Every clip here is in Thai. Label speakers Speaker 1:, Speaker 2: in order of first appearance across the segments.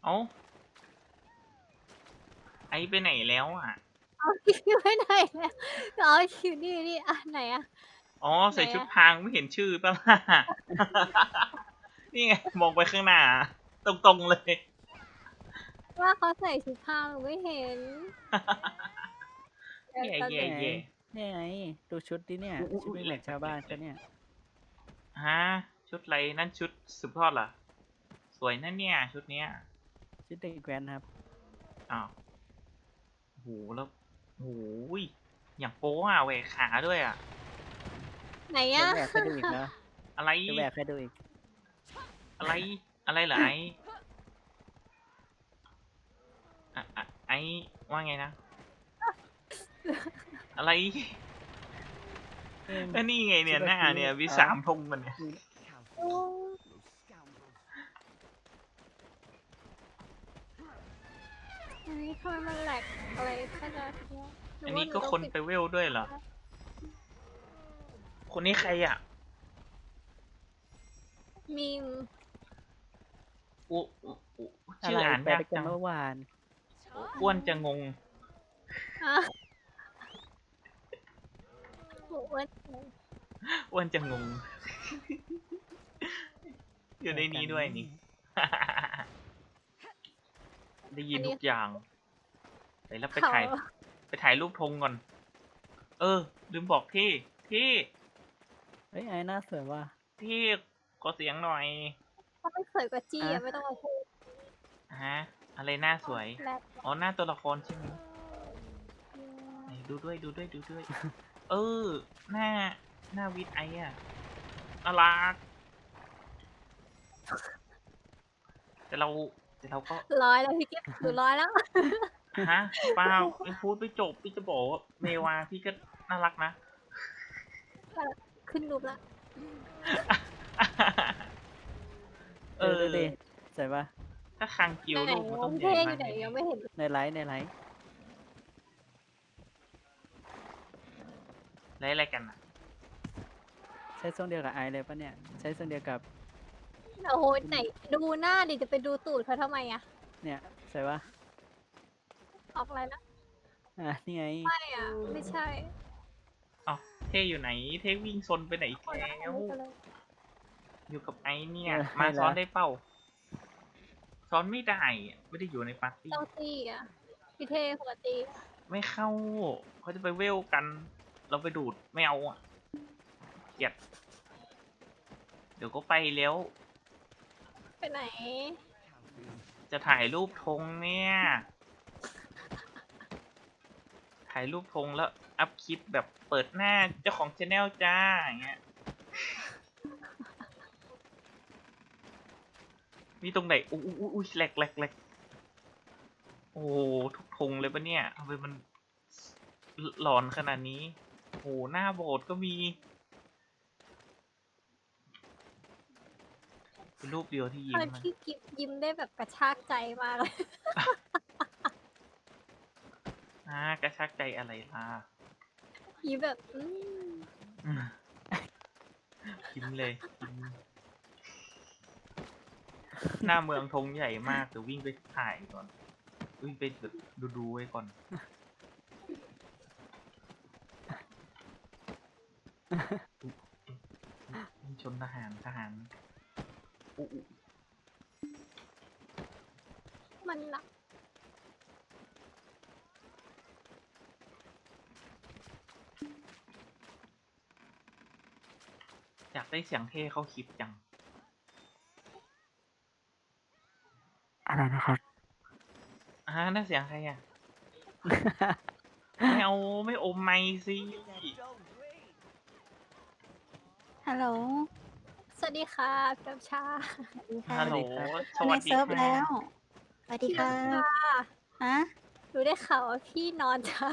Speaker 1: เอ้าไอไปไหนแล้วอ่ะ
Speaker 2: เอาอยู่ไปไหนแล้วอ๋ออยู่นี่อ่ะไหนอ่ะ
Speaker 1: อ๋อ
Speaker 2: ไหน
Speaker 1: ใส่ชุด
Speaker 2: อ่ะ
Speaker 1: พรางไม่เห็นชื่อป่ะล่ะ นี่ไงมองไปข้างหน้า ตรงๆเลย
Speaker 2: ว่าเขาใส่ชุดพรางหนูไม่เห็น
Speaker 1: แย่
Speaker 2: ตอนไหน
Speaker 1: แย่แย่
Speaker 3: เนี่ยไงดูชุดดิเนี่ยชุดไม่เหมือนชาวบ้านเขาเนี่ย
Speaker 1: ฮะชุดอะไรนั่นชุดสืบทอดเหรอสวยนั่นเนี่ยชุดเนี้ย
Speaker 3: ชุดเด็กแว้นครับ
Speaker 1: อ้าวโหแล้วโหยอย่างโป๊อ่ะแหวกขาด้วยอ่ะ
Speaker 2: ไหน
Speaker 3: จะ
Speaker 2: อ่ะ
Speaker 3: แหวกให้ดูอีกนะ
Speaker 1: อะไร
Speaker 3: จะแหวกให้ดูอีก
Speaker 1: อะไรอะไรเหรอไอ้ไอ้ว่าไงนะ อะไร
Speaker 3: เอ็ม
Speaker 1: ก็นี่ไงเนี่ยหน้าเนี่ยวิสามธงมันเนี่ย
Speaker 2: โอ้อันนี้ทำไมมันแหลกอะไรขนาดเนี้ยหรื
Speaker 1: อัน
Speaker 2: ว่า
Speaker 1: นี้
Speaker 2: ห
Speaker 1: ก็
Speaker 2: ต้ง
Speaker 1: คน
Speaker 2: ปิด
Speaker 1: ไปเวลด้วยเหรอ คนนี้ใครอ่ะ
Speaker 2: มีม
Speaker 1: อุ
Speaker 3: อะ
Speaker 1: ชื่อ
Speaker 3: ไร
Speaker 1: อ่าน
Speaker 3: ไป
Speaker 1: ยาก
Speaker 3: ด้วยกัน
Speaker 1: จัง
Speaker 3: เมื่อวาน
Speaker 1: อ้วนจะงง
Speaker 2: อ่ะโอ้ย
Speaker 1: อ้วนจะงง อยู่ในนี้ด้วยนี่ ได้ยินทุกอย่างไปแล้วไป
Speaker 2: เขา
Speaker 1: ถ่ายรูปธงก่อน เออ ลืมบอกที่
Speaker 3: เฮ้ยไอ้หน้าสวยว่ะ
Speaker 1: ขอเสียงหน่อย
Speaker 2: ถ้าไม่สวยกว่าจี้อ่ะไม่ต้องมาพูด
Speaker 1: ฮะ อะไรหน้าสวย
Speaker 2: แหลก
Speaker 1: อ๋อ หน้าตัวละครใช่ไหมไหนดูด้วย เออ หน้าวิทย์ไออะน่ารักแต่เราก็
Speaker 2: ร้อยแล้วพี่กิ๊ฟหนูร้อยแล้ว
Speaker 1: ฮะเปล่าไม่พูดไม่จบ พี่จะบอกว่าเมวาพี่ก็น่ารักนะ
Speaker 2: ขึ้นรูปละ
Speaker 1: เออ
Speaker 3: ดูดิสวยป่ะ
Speaker 1: ถ้าคังกิว
Speaker 2: ไหน
Speaker 1: ลูกมันต้องให
Speaker 2: เท่
Speaker 1: ญ่
Speaker 2: อ
Speaker 1: มา
Speaker 2: ยู่
Speaker 1: ก
Speaker 2: ไหน
Speaker 1: แน่
Speaker 2: ยังไม่เห็น
Speaker 3: ในไลฟ์
Speaker 1: ๆแล้วอะไรกันอ่ะ
Speaker 3: ใช้ทรงเดียวกับไอเลยป่ะเนี่ย ใช้ทรงเดียวกับ
Speaker 2: โอ้โหไหนดูหน้าดิจะไปดูตูดเขาทำไมอ่ะ
Speaker 3: เนี่ยสวยป่ะ
Speaker 2: ออกอะไรนะ
Speaker 3: นี่ไง
Speaker 2: ไม่อ่ะ ไม่ใช่
Speaker 1: อ้าวเท่อยู่ไหน เท่วิ่งซนไปไหนอีก
Speaker 2: คนละ
Speaker 1: แล้
Speaker 2: อัน
Speaker 1: ว
Speaker 2: นี้กันเลย
Speaker 1: อยู่กับไอเนี่ย มาซ้อนได้เป้า ซ้อนไม่ได้อะไม่ได้อยู่ในปาร์ตี้
Speaker 2: เจ้าตี้อ่ะพี่เท่หัวตี
Speaker 1: ไม่เข้า เขาจะไปเวลกัน เราไปดูดไม่เอาอ่ะเกลียดเดี๋ยวก็ไปแล้ว
Speaker 2: ไปไหน
Speaker 1: จะถ่ายรูปธงเนี่ย ถ่ายรูปธงแล้วอัพคลิปแบบเปิดหน้าเจ้าของช anel จ้าอย่างเงี้ย มีตรงไหนอุ้ยแหลกโอ้โหทุกธงเลยปะเนี่ยทำไมมันหลอนขนาดนี้ โอ้โหหน้าโบสถ์ก็มี เป็นรูปเดียวที่ยิ้
Speaker 2: ต
Speaker 1: ม
Speaker 2: อน
Speaker 1: นะ
Speaker 2: ที่กิฟยิ้มได้แบบกระชากใจมากเลย
Speaker 1: กระชากใจอะไรล่ะ
Speaker 2: ยิ้มแบบ
Speaker 1: อืมยิ้มเลยยิ้มหน้าเมืองธงใหญ่มากเดี๋ยววิ่งไปถ่ายก่อน วิ่งไปแบบดูไว้ก่อน ชนทหารอุ๊
Speaker 2: มันหนัก
Speaker 1: อยากได้เสียงเท่เข้าคลิปจัง
Speaker 3: อะไรนะครับ
Speaker 1: น่าเสียงใครอ่ะ ไม่เอาไม่อมไมค์สิ
Speaker 4: ฮัลโหล
Speaker 2: สวัสดีค่ะพี่น้ำชา
Speaker 1: ฮัลโหล ส
Speaker 4: ใน
Speaker 1: วัสดี
Speaker 4: เซิร์ฟ
Speaker 1: ค่ะ
Speaker 4: แล้ว สวัสดี
Speaker 2: พี่
Speaker 4: ค่ะ
Speaker 2: น้ำชา
Speaker 4: ฮะ
Speaker 2: หนูได้ข่าวว่าพี่นอนเช้า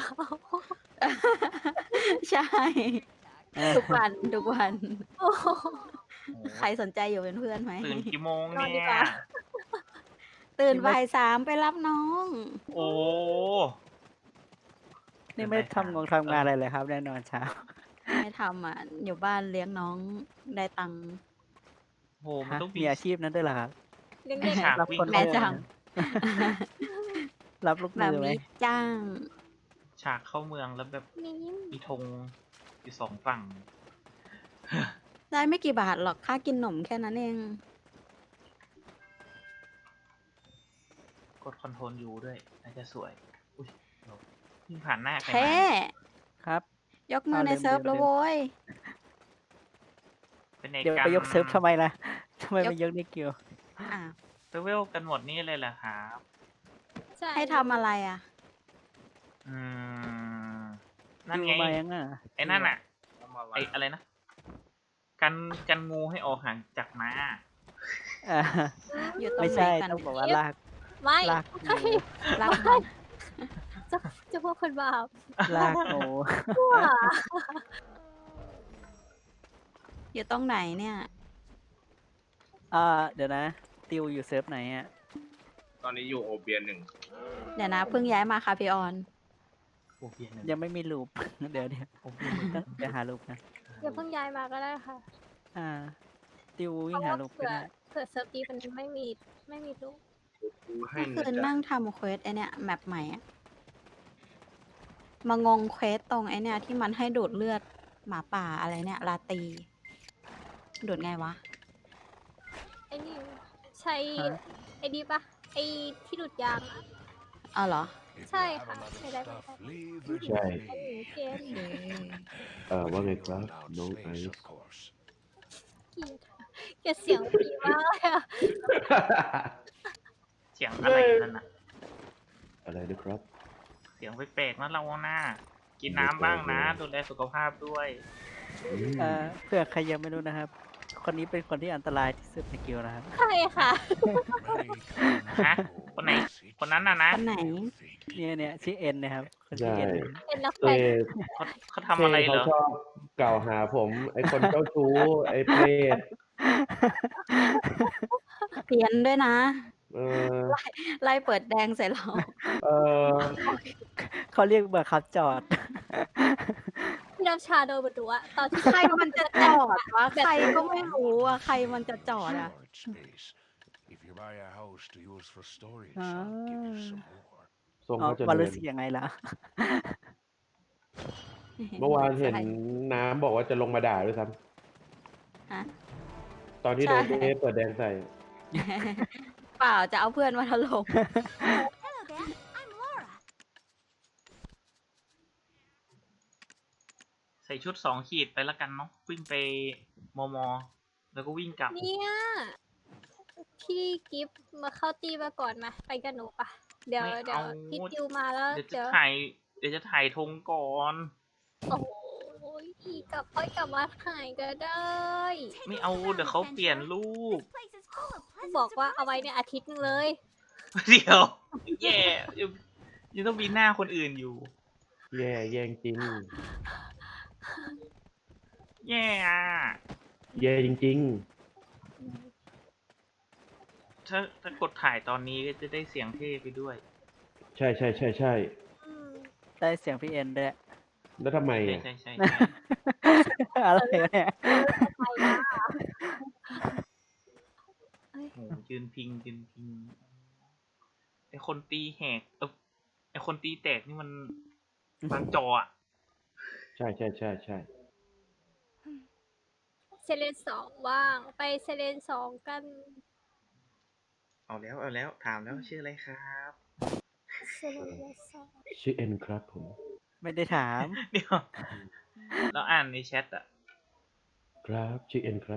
Speaker 4: ใช่ ทุกวัน ทุกวัน
Speaker 2: โอ้โห
Speaker 1: โอ้
Speaker 4: ใครสนใจอยู่เป็นเพื่อนไหม
Speaker 1: ตื่นกี่โมง
Speaker 2: นอนดี
Speaker 1: เนี่
Speaker 2: ก
Speaker 1: ย
Speaker 2: ว่า
Speaker 4: ตื่นบ่าย3ไปรับน้อง
Speaker 1: โอ้
Speaker 3: นี่ไม่ทำงานอะไรเลยครับแน่นอนเช้า
Speaker 4: ไม่ทำอ่ะ อยู่บ้านเลี้ยงน้องได้ตังค์
Speaker 1: โหมันต้อง
Speaker 3: มีอาชีพนั้นด้วยเหรอครับ
Speaker 2: เลี้ยงเด็ก
Speaker 1: ฉาก
Speaker 3: รับ
Speaker 1: วิ่ง
Speaker 3: คน
Speaker 4: แม่
Speaker 1: เข้า
Speaker 4: จัง
Speaker 3: รับลูก
Speaker 4: แบ
Speaker 3: มื
Speaker 4: บ
Speaker 3: อไหม
Speaker 4: นี้จ้าง
Speaker 1: ฉากเข้าเมืองแล้วแบบ
Speaker 2: มี
Speaker 1: มีธงอยู่สองฝั่ง
Speaker 4: ได้ไม่กี่บาทหรอกค่ากินหนมแค่นั้นเอง
Speaker 1: กดคอนโทรลยูด้วยน่าจะสวย อุ้ยเราเพิ่งผ่านหน้าใคร
Speaker 4: แท้
Speaker 1: มาเนี่ย
Speaker 3: ครับ
Speaker 4: ยกมือใน
Speaker 3: ลืม
Speaker 4: เซิร์ฟ
Speaker 3: ลืม
Speaker 4: แล้ว
Speaker 3: ลืม
Speaker 4: โว้ย
Speaker 1: เป็นไง
Speaker 3: เดี๋ยว
Speaker 1: กัน
Speaker 3: ไปยกเซิร์ฟทำไมล่ะทำไม
Speaker 4: ยก
Speaker 3: ไม่ยกในกิว
Speaker 4: อ่ะ
Speaker 1: ไปเวลกันหมดนี่เลยเหรอครับ
Speaker 2: ใช่
Speaker 4: ให้ทำอะไรอ่ะ
Speaker 1: อืม นั่น
Speaker 3: กิว
Speaker 1: ไง
Speaker 3: มายังอ่ะ
Speaker 1: ไอ้นั่นอ่ะ ไอ้อะไรนะ กันงูให้ออกห่างจากม้า
Speaker 3: อ่า
Speaker 4: อยู่ตรง
Speaker 3: ไม่
Speaker 4: ไหน
Speaker 3: ใช่
Speaker 4: กัน
Speaker 3: ต้องบอกว่าลาก
Speaker 2: ไม่
Speaker 3: ลาก
Speaker 2: ใช่
Speaker 3: งู
Speaker 4: รักมัน
Speaker 2: จะพวกคนบาป
Speaker 3: ลากงู
Speaker 2: ชั่ว
Speaker 4: อยู่ตรงไหนเนี่ย
Speaker 3: เดี๋ยวนะ ติวอยู่เซิร์ฟไหนอ่ะ
Speaker 5: ตอนนี้อยู่โอเบียนหนึ่ง
Speaker 4: เดี๋ยวนะเพิ่งย้ายมาค่ะพี่ออน
Speaker 1: โอเพียนหนึ่ง
Speaker 3: ยังไม่มีลูป เดี๋ยว
Speaker 1: โอเพียนหนึ่ง
Speaker 3: ต้องเดี๋ยวหาลูปนะ
Speaker 2: อย่าเพิ่งย้ายมาก็ได้ค่ะ
Speaker 3: ติว
Speaker 2: เพ
Speaker 3: วิ่ง
Speaker 2: ราะ
Speaker 3: หา
Speaker 2: ว่า
Speaker 3: ลูปก็
Speaker 2: เผื่อ
Speaker 3: ได้
Speaker 2: เผื่อเซิร์ฟนี้มันไม่มีลูก
Speaker 5: กูให้
Speaker 4: เมื่อ
Speaker 5: นะ
Speaker 4: คืน
Speaker 5: จ๊ะ
Speaker 4: นั่งทำเควสไอเนี่ยแมปใหม่อะมางงเควสตรงไอเนี่ยที่มันให้ดูดเลือดหมาป่าอะไรเนี่ยลาตี ดูดไงวะ
Speaker 2: ไอ้นี่ใช้
Speaker 3: ฮะ
Speaker 2: ไอ้นี่ปะไอ้ที่ดูดยางอะ
Speaker 4: เอาเหรอ
Speaker 2: ใช่ค่ะใช้ได้ไหมคะ
Speaker 6: ใช่
Speaker 2: ไอ้หนูเกม
Speaker 6: ว่าไงครับน้องไอซ์
Speaker 2: เกลียดเสียงดีมากเลยอะ
Speaker 1: เสียงอะไรนั่นน่ะ
Speaker 6: อะไรนะครับ
Speaker 1: เสียงแปลกๆนะเราหน้า กินน้ำบ้างนะ ดูแลสุขภาพด้วย
Speaker 3: เพื่อใครยังไม่รู้นะครับ คนนี้เป็นคนที่อันตรายที่สุดในกิวนะครับ
Speaker 2: ใช่ค่ะ
Speaker 1: ฮะ คนไหน คนนั้นน่ะนะ
Speaker 4: คนไหน
Speaker 3: เนี่ยชื่อเอ็นนะครับ คนชื่อ
Speaker 6: ใช่
Speaker 3: เอ็น
Speaker 2: เป็นนัก
Speaker 6: เต้
Speaker 2: แข่ง
Speaker 1: เขาทำอะไรเหรอ
Speaker 6: เขาชอบกล่าวหาผม ไอคนเจ้าชู้ ไอเปรต
Speaker 4: เพี้ยนด้วยนะ
Speaker 6: เออ
Speaker 4: ไล่เปิดแดงใส่เรา
Speaker 6: เออ
Speaker 3: เขาเรียกบังคับจอด
Speaker 2: พี่น้ำชาโดนบดุอะตอนที่
Speaker 4: ใครมันจะจอดวะ ใครก็ไม่รู้อะใครมันจะจอดอะ
Speaker 7: If you buy a house to use for storage,
Speaker 3: Ah.
Speaker 7: I'll give you some more.
Speaker 6: ทรง
Speaker 3: อ๋อ
Speaker 6: เขาจะ
Speaker 3: วัน
Speaker 6: เดิ
Speaker 3: รู้
Speaker 6: น
Speaker 3: สึกยังไงล่ะ
Speaker 6: เมื่อวานเห็นน้ำบอกว่าจะลงมาด่าด้วยซ้
Speaker 4: ฮะ
Speaker 6: ำตอนที่โดน
Speaker 4: ใช่
Speaker 6: เจ๊เปิดแดงใส่
Speaker 4: เปล่าจะเอาเพื่อนมาถล่ม
Speaker 1: ใส่ชุด2 ขีดไปแล้วกันเนาะ วิ่งไปมอ แล้วก็วิ่งกลับ
Speaker 2: เนี่ยพี่กิฟต์มาเข้าตีมาก่อนมาไปกันหนูปะเดี๋ยว
Speaker 1: ไม่
Speaker 2: เดี๋ยว
Speaker 1: เอา
Speaker 2: พี่ติวมาแล้ว
Speaker 1: เดี๋ยวจะ
Speaker 2: เดี๋ยว
Speaker 1: ถ่ายธงก่อน
Speaker 2: โอ้โหกลับค่อยกลับมาถ่ายก็ได้
Speaker 1: ไม่เอา เดี๋ยวเขาเปลี่ยนรูป
Speaker 2: บอกว่าเอาไว้เนี่ยอาทิตย์หนึงเลย
Speaker 1: เดี๋ยว แย่ยังต้องมีหน้าคนอื่นอยู่
Speaker 6: แย่แย่จริง
Speaker 1: แย่อะ
Speaker 6: แย่จริง
Speaker 1: ถ้ากดถ่ายตอนนี้ก็จะได้เสียงเท่ไปด้วย
Speaker 6: ๆ ใช่ใช่ใช่ใช่
Speaker 2: อืม
Speaker 3: ได้เสียงพี่เอ็นด้วย
Speaker 6: แล้วทำไม
Speaker 1: ใช่
Speaker 6: อ่ะ
Speaker 1: ใช่ใช่
Speaker 3: อะไรวะเนี่ย
Speaker 2: ไปนะ
Speaker 1: โหยืนพิงไอคนตีแหกไอคนตีแตกนี่มันบางจออะ
Speaker 6: ใช่ใช่ใช่ใช่
Speaker 2: เซเลน2ว่างไปเซเลน2กัน
Speaker 1: เอาแล้วถามแล้วชื่ออะไรครับ
Speaker 2: เซเลน2
Speaker 6: ชื่อเอ็นครับผม
Speaker 3: ไม่ได้ถาม
Speaker 1: เดี๋ยวเราอ่านในแชทอะ
Speaker 6: ครับชื่อเอ็นครับ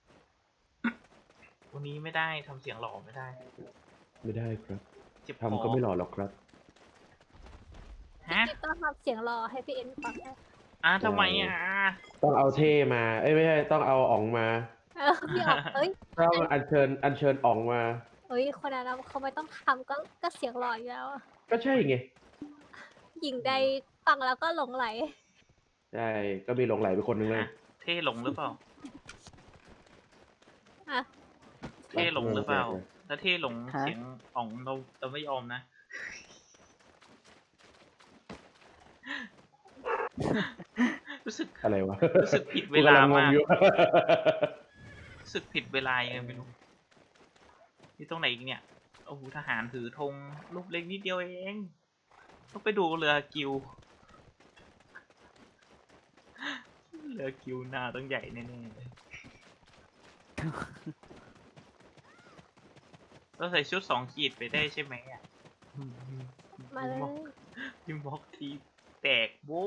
Speaker 1: วันนี้ไม่ได้ทำเสียงหล่อไม่ได้
Speaker 6: ไม่ได้ครับ
Speaker 1: เจ็บคอ
Speaker 6: ทำก็ไม่หล่อหรอกครับ
Speaker 1: ฮะ
Speaker 2: พี่ต้องทำเสียงรอให้พี่เอ็นฟังนะ
Speaker 1: ทำไมอ่ะ
Speaker 6: ต้องเอาเท่มา เอ้ยไม่ใช่ต้องเอาอ๋องมา
Speaker 2: พี่ออกเอ้ย
Speaker 6: ต้องอัญเชิญอ๋องมา
Speaker 2: เฮ้ยคนนั้นเขาไม่ต้องทำก็เสียงหล่ออยู่แล้วอะ
Speaker 6: ก็ใช่ไง
Speaker 2: หญิงใดฟังแล้วก็หลงไหล
Speaker 6: ใช่ ก็มีหลงไหลไปคนหนึงเลย
Speaker 1: เท่หลงหรือเปล่า
Speaker 2: อ่ะ
Speaker 1: เท่หลงหรือเปล่า
Speaker 6: ไม่
Speaker 1: ถ้าเท่หลง
Speaker 3: ฮะ
Speaker 1: เสียงอ่องเราไม่ยอมนะ รู้สึก
Speaker 6: อะไรวะ
Speaker 1: รู้สึกผิดเวลามาก
Speaker 6: กูกำงงอยู่
Speaker 1: รู้สึกผิดเวลายังไงไม่รู้นี่ตรงไหนอีกเนี่ยโอ้โหทหารถือธงลูกเล็กนิดเดียวเองต้องไปดูเรือกิว เรือกิวหน้าต้องใหญ่แน่ๆเลยเราใส่ชุด2 ขีดไปได้ใช่ไหมอ่ะ
Speaker 2: มาเลย
Speaker 1: พิมพ์บล็อกทีแตกโว้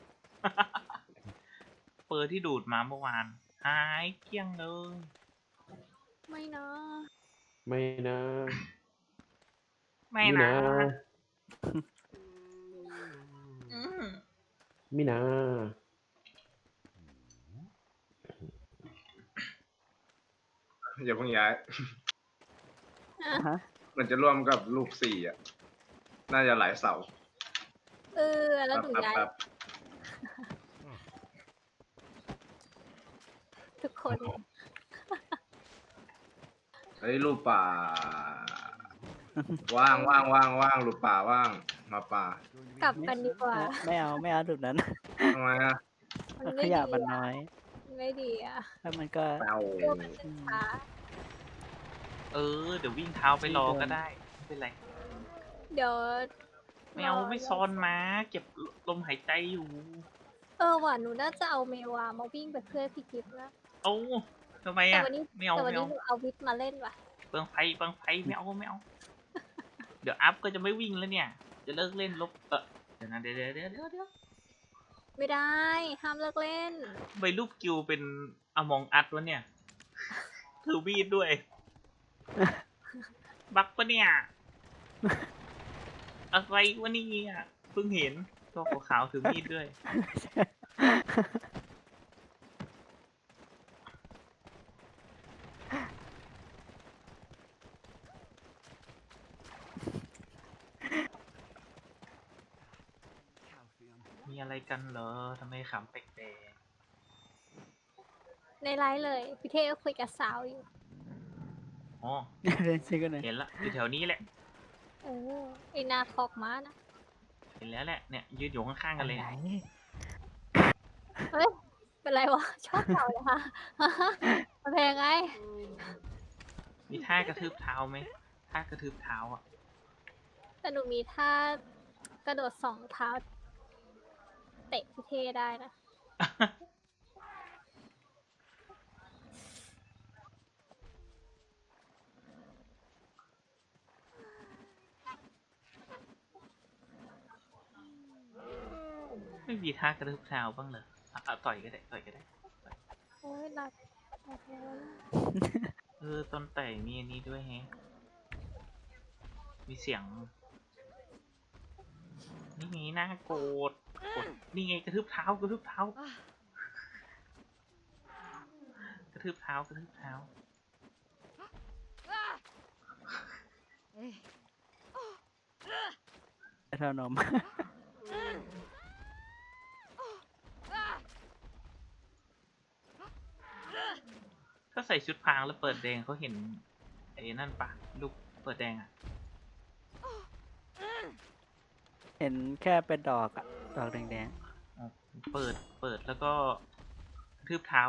Speaker 1: เปอร์ที่ดูดมาเมื่อวานหายเกลี้ยงเลย
Speaker 2: ไม่เนาะ
Speaker 6: ไม่นะ
Speaker 1: ไม่นะ อืม
Speaker 6: ไม่นะ
Speaker 5: อย่าเพิ่งย้าย
Speaker 3: ฮะ
Speaker 5: มันจะร่วมกับลูก4อ่ะ น่าจะหลายเสา
Speaker 2: แล้วหนูย้าย
Speaker 5: แป๊บ
Speaker 2: ทุกคน
Speaker 5: เฮ้ยลูกป่า ว่างว่างว่างว่างลูกป่าว่าง มาป่า
Speaker 2: กลับกันดีกว่า
Speaker 3: ไม่เอาจุดนั้น
Speaker 5: ทำไมอ่ะ
Speaker 2: มัน
Speaker 3: ข
Speaker 2: ไม่ดี
Speaker 3: ยะมัน
Speaker 2: อะ
Speaker 3: น้อย
Speaker 2: ไม่ดีอ่ะ
Speaker 3: แล้วมันก็
Speaker 5: แปว
Speaker 2: เรื่องมันจะช้า
Speaker 1: เดี๋ยววิ่งเท้าไปรอก็ได้ ไม่เป็นไร
Speaker 2: เดี๋ยว
Speaker 1: ไม่เอาไม่ซอนมาเก็บลมหายใจอยู่
Speaker 2: ว่ะหนูน่าจะเอาเมวามาวิ่งเป็นเพื่อนพี่กิฟต์นะ
Speaker 1: เอ้าทำไม
Speaker 2: แต่
Speaker 1: อ่ะ
Speaker 2: วันนี้
Speaker 1: ไม่เอา
Speaker 2: แต่วัน
Speaker 1: ไม่
Speaker 2: นี้
Speaker 1: เอา
Speaker 2: หนูเอาวิทย์มาเล่นว่ะ
Speaker 1: เปลืองไฟไม่เอาไม่เอา เดี๋ยวอัพก็จะไม่วิ่งแล้วเนี่ย จะเลิกเล่นลบเดี๋ยวนะเดี๋ยว
Speaker 2: ไม่ได้ ห้ามเลิกเล่น
Speaker 1: ใบรูปกิวเป็นอมองอัดวะเนี่ย ถือมีดด้วย บักปะเนี่ย อะไรวะเนี่ยเพิ่งเห็นตัวขาวๆถือมีดด้วย มีอะไรกันเหรอทำไมขำแปลก
Speaker 2: ในไลฟ์เลยพี่เทก็คุยกับสาวอยู่
Speaker 1: ๆอ๋อ
Speaker 3: เล่นซิกันหน่อย
Speaker 1: เห็นละอยู่แถวนี้แหละ
Speaker 2: ไอนาคอกม้านะ
Speaker 1: เห็นแล้วแหละเนี่ยยืนอยู่ข้างๆกันเลย
Speaker 3: ไหน
Speaker 2: เฮ้ย เป็นไรวะ ชอบเก่าเลยค่ะ มันเป็นยังไง
Speaker 1: มีท่ากระทืบเท้าไหมท่ากระทืบเท้าอ่ะ
Speaker 2: แต่หนูมีท่ากระโดด2 เท้า เตะพี่เทได้นะ
Speaker 1: ไม่มีท่ากระทืบเท้าบ้างเหรอต่อยก็ได้ต่อยก็ได้
Speaker 2: โอ้ยหลับแล้ว
Speaker 1: ตอนแต่มีอันนี้ด้วยแฮะ มีเสียง นี่ไงน่าโกรธนี่ไงกระทืบเท้ากระทืบเท้ากระทืบเท้ากระทืบเท้า
Speaker 3: เท่านม
Speaker 1: ถ้าใส่ชุดพรางแล้วเปิดแดงเขาเห็นไอ้นั่นปะลูกเปิดแดงอ่ะ
Speaker 3: เห็นแค่เป็นดอกอะดอกแดง
Speaker 1: อ๋อเปิดแล้วก็กระทืบเท้า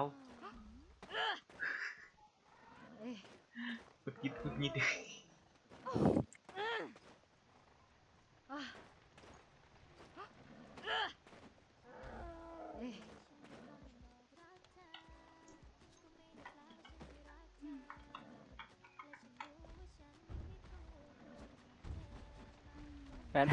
Speaker 1: กุดยิดกุดยิด
Speaker 3: ๆแปด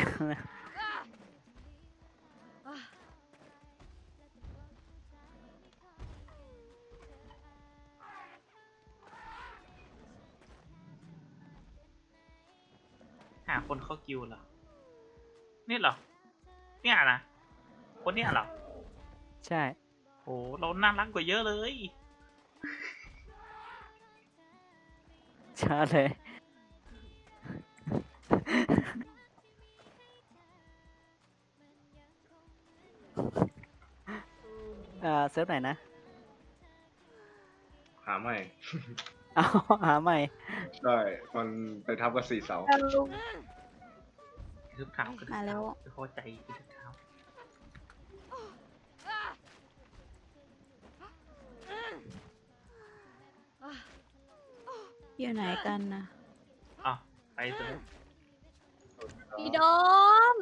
Speaker 1: หาคนเข้ากิวเหรอเนี่ยเหรอ เนี่ยนะคนเนี่ยเหรอ
Speaker 3: ใช่
Speaker 1: โอ้เราน่ารักกว่าเยอะเลย
Speaker 3: ช้าเลย เซิร์ฟไหนนะ
Speaker 5: หาไม่
Speaker 3: เอาหาใหม่
Speaker 5: ใช่ มันไปทับกับ4 เสา
Speaker 1: กระทืบเท้ากระทืบ
Speaker 4: มาแล้
Speaker 1: เท้าว ไม่พอใจกระทืบเท้า
Speaker 4: อยู่ไหนกันนะ
Speaker 1: อ้าวไปเถอะ
Speaker 2: พี่โดม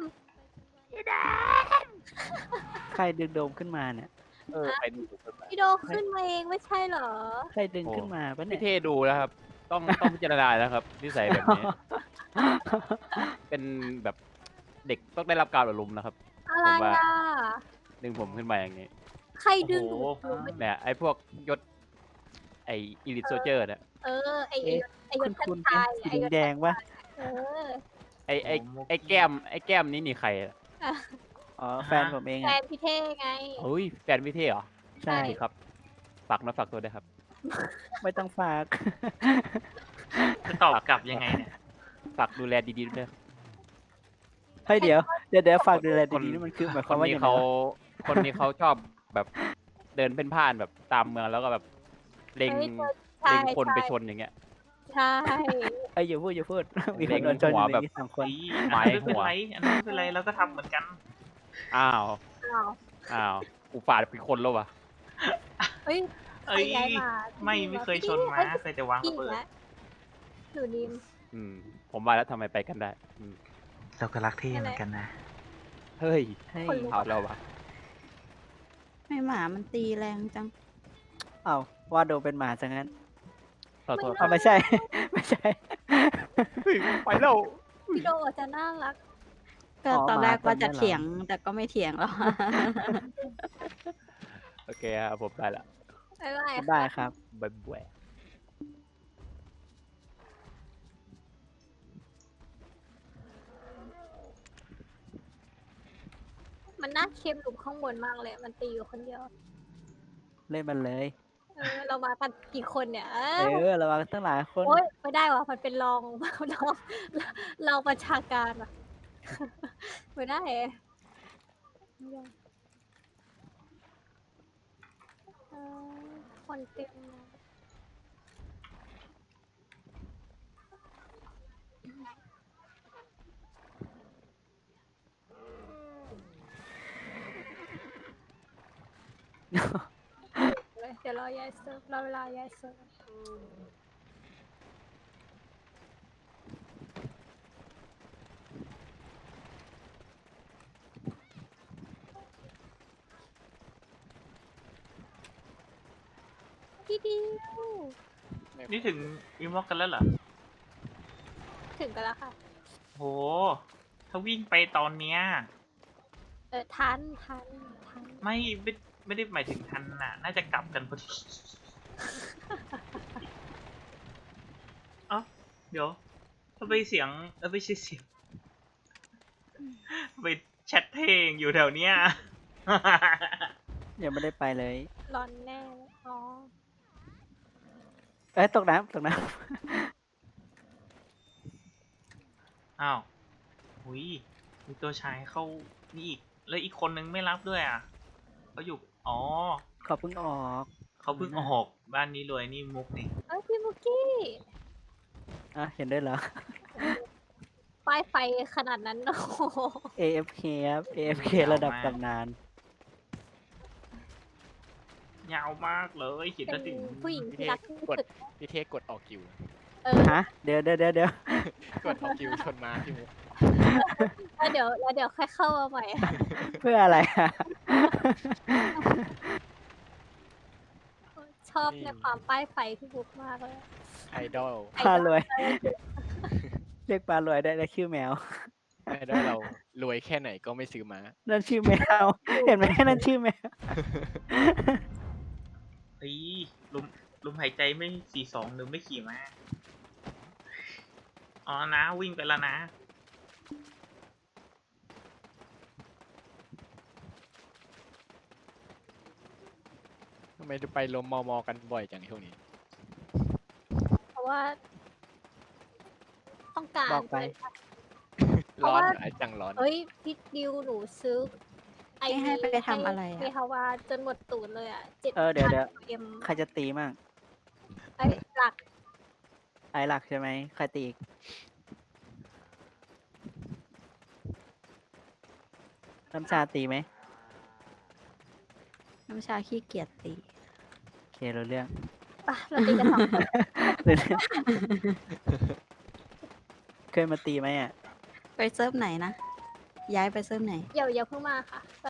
Speaker 3: ใครดึงโดมขึ้นมาเนี่ย
Speaker 8: ใครดูกันมา
Speaker 2: พี่โดมขึ้นมาเองไม่ใช่เหรอ
Speaker 3: ใครดึงขึ้นมาปะเนี่
Speaker 8: พี่
Speaker 3: ย
Speaker 8: เท่ดูแล้วครับ ต้องพิจารณาแล้วครับนิสัยแบบนี้ เป็นแบบเด็กต้องได้รับการอบรมนะครับ
Speaker 2: อะไร
Speaker 8: ผมว่า
Speaker 2: อ่ะ
Speaker 8: ดึงผมขึ้นมาอย่างนี้
Speaker 2: ใครดึงหนู
Speaker 1: โอ้โห
Speaker 2: หนูไม่
Speaker 8: เนี่ยไอ้พวกยศไอ้อีลิทโซเจอร์เนี่ย
Speaker 2: ไอ้ยศ
Speaker 3: คุณ
Speaker 2: ชาย
Speaker 3: สีแดงๆปะ
Speaker 2: เออ
Speaker 8: ไอ้แก้มนี่นี่ใครอะ
Speaker 3: อ๋อแฟนผมเอง
Speaker 2: แฟ
Speaker 3: อ่ะ
Speaker 2: นพี่เท่ไง
Speaker 8: เฮ้ยแฟนพี่เท่เหรอ
Speaker 3: ใช่
Speaker 8: ครับฝากฝากตัวด้วยครับ
Speaker 3: ไม่ต้องฝาก
Speaker 1: จะตอบกลับยังไงเนี่ย
Speaker 8: ฝากดูแลดีๆด้วยครับ
Speaker 3: เฮ้ยเดี๋ยวฝากดูแล
Speaker 8: คน
Speaker 3: ดีๆนี่มันคือหมายค
Speaker 8: คว
Speaker 3: าม
Speaker 8: น
Speaker 3: ว่า
Speaker 8: นี้
Speaker 3: อย่างไร
Speaker 8: เขา
Speaker 3: วะ
Speaker 8: คนนี้เขาชอบแบบเดินเพ่นพ่านแบบตามเมืองแล้วก็แบบเล็ง
Speaker 2: ใช่
Speaker 8: เล็งคนไป
Speaker 2: ใช่
Speaker 8: ชนอย่างเงี้ย
Speaker 2: ใช่
Speaker 3: เอ้ยอย่าพูดมีค
Speaker 8: เล็
Speaker 3: น
Speaker 8: ง
Speaker 3: โดนชนอ
Speaker 8: หัว
Speaker 3: ยู่ใน
Speaker 8: แบบ
Speaker 3: นี้3 คน
Speaker 1: อี
Speaker 8: ไม้
Speaker 1: อันนั้นไม่เป็น
Speaker 8: หัว
Speaker 1: ไรอันนั้นไม่เป็นไรเราก็ทำเหมือนกัน
Speaker 8: อ้าว
Speaker 2: อ้าว
Speaker 8: อ้าวกูฝาดเป็นคนแล้ววะ
Speaker 2: เฮ้ย
Speaker 1: เอ้ย
Speaker 2: ใครย้ายมา
Speaker 1: ไม่เคยชนมาเคยแต่วาง
Speaker 2: พี่
Speaker 1: ระเบิด
Speaker 2: แล้วหนูนิม
Speaker 8: ผมว่าแล้วทำไมไปกันได้
Speaker 1: เราก็รักเท่เหมือนกันนะ
Speaker 8: เฮ้ย
Speaker 3: เฮ้ย
Speaker 2: คนลุก
Speaker 8: เอาแล้ววะ
Speaker 4: ไม่หมามันตีแรงจัง
Speaker 3: เอ้าว่าโดมเป็นหมาซะงั้น
Speaker 8: ขอโทษค
Speaker 3: เอา
Speaker 8: รับ
Speaker 3: ไม่ใช่ ไม่ใช่
Speaker 8: เฮ้ยไปแล้ว
Speaker 2: พี่โดอาจจะน่ารัก
Speaker 4: ก็
Speaker 3: อ๋อ
Speaker 4: ตอนแรก
Speaker 3: หมา
Speaker 4: ว่าจะ
Speaker 3: ตัวเนี้ยเหรอ
Speaker 4: เถียงแต่ก็ไม่เถียงแล้ว
Speaker 8: โอเคครับผมได้ละ
Speaker 2: บ๊ายบาย
Speaker 3: ได้
Speaker 2: ค่ะ
Speaker 3: ครับ
Speaker 8: บ๊ายบาย
Speaker 2: มันน่าเค็มหลุมข้างบนมากเลย มันตีอยู่คนเดียว
Speaker 3: เล่นมันเลย
Speaker 2: เรามากันกี่คนเนี่ย
Speaker 3: ระวังตั้งหลายคน
Speaker 2: โอ๊ยไม่ได้วะมันเป็นรอง รองประชาการอะ ไม่ได้ไม่ได้เออคนเต็มเลย เดี๋ยวรอยายเซิร์ฟรอเวลายายเซิร์ฟพี่ดิว
Speaker 1: นี่ถึงวิมอกกันแล้วเหรอ
Speaker 2: ถึงกันแล้วค่ะ
Speaker 1: โห ถ้าวิ่งไปตอนเนี้ย
Speaker 2: ทัน
Speaker 1: ไม่ได้หมายถึงทันน่ะ น่าจะกลับกันพอดี เอ้าเดี๋ยวทำไมเสียงไม่ใช่เสียงทำไมแชทเพลงอยู่แถวเนี้ย
Speaker 3: ยังไม่ได้ไปเลย
Speaker 2: ร้อนแน่เลยอ๋อ
Speaker 3: เอ้ยตกน้ำ
Speaker 1: อ้าวหุยมีตัวชายเข้านี่อีก แล้วอีกคนนึงไม่รับด้วยอ่ะเขาอยู่ อ๋อ
Speaker 3: เขาเพิ่งออก
Speaker 1: เขาเพิ่งออกบ้านนี้รวยนี่มุกนี่
Speaker 2: พี่มุกกี้
Speaker 3: อ่ะเห็นด้วยเหรอ
Speaker 2: ป้ายไฟขนาดนั้น โอ้โห
Speaker 3: AFK ครับ AFK ระดับตำนาน
Speaker 1: ยาวมากเลยขีด
Speaker 2: เป็
Speaker 1: ละ
Speaker 2: น
Speaker 1: ถึง
Speaker 2: ผู้หญิงที่รักที่สุด
Speaker 9: พี่เทกดออกกิว
Speaker 3: ฮะ เดี๋ยว
Speaker 9: กดออกกิวชนม้าพี่มุก
Speaker 2: แล้วเดี๋ยวค่อยเข้ามาใหม่
Speaker 3: เพื่ออะไรอะ
Speaker 2: ชอบในความป้ายไฟพี่บุ๊กมากเลย
Speaker 9: ไอดอล
Speaker 3: ปลารวย เรียกปลารวยได้แล้วชื่อแมว
Speaker 9: ไอดอลเรารวยแค่ไหนก็ไม่ซื้อม้า
Speaker 3: นั่นชื่อแมว เห็นไหมนั่นชื่อแมว
Speaker 1: เฮ้ยลมหายใจไม่42หรือไม่ขี่มาอ๋อนะวิ่งไปแล้วนะ
Speaker 9: ทำไมไปลมมอกันบ่อยจังช่วงนี้
Speaker 2: เพราะว่า ต้องการ
Speaker 3: บอกไป
Speaker 9: ร้อนไอจังร้อน
Speaker 2: เอ้ยพี่ดิวหนูซื้อ
Speaker 4: ให้ไปทำอะไรอะ
Speaker 2: ไปฮาวาจนหมดตูดเลยอ่ะ7,000
Speaker 3: เดี๋ยว
Speaker 2: เอ็ม
Speaker 3: ใครจะตีมั่ง
Speaker 2: หลัก
Speaker 3: ไอหลักใช่ไหม ใครตีอีก น้ำชาตีไหม
Speaker 4: น้ำชาขี้เกียจตี
Speaker 3: โอเครู้เรื่อง
Speaker 2: ปะเราตีกันสองคน
Speaker 3: รู้เรื่องเคยมาตีไหมอ่ะ
Speaker 4: ไปเซิร์ฟไหนนะ ย้ายไปเซิร์ฟไหน
Speaker 2: เดี๋ยวอย่าเพิ่งมาค่ะ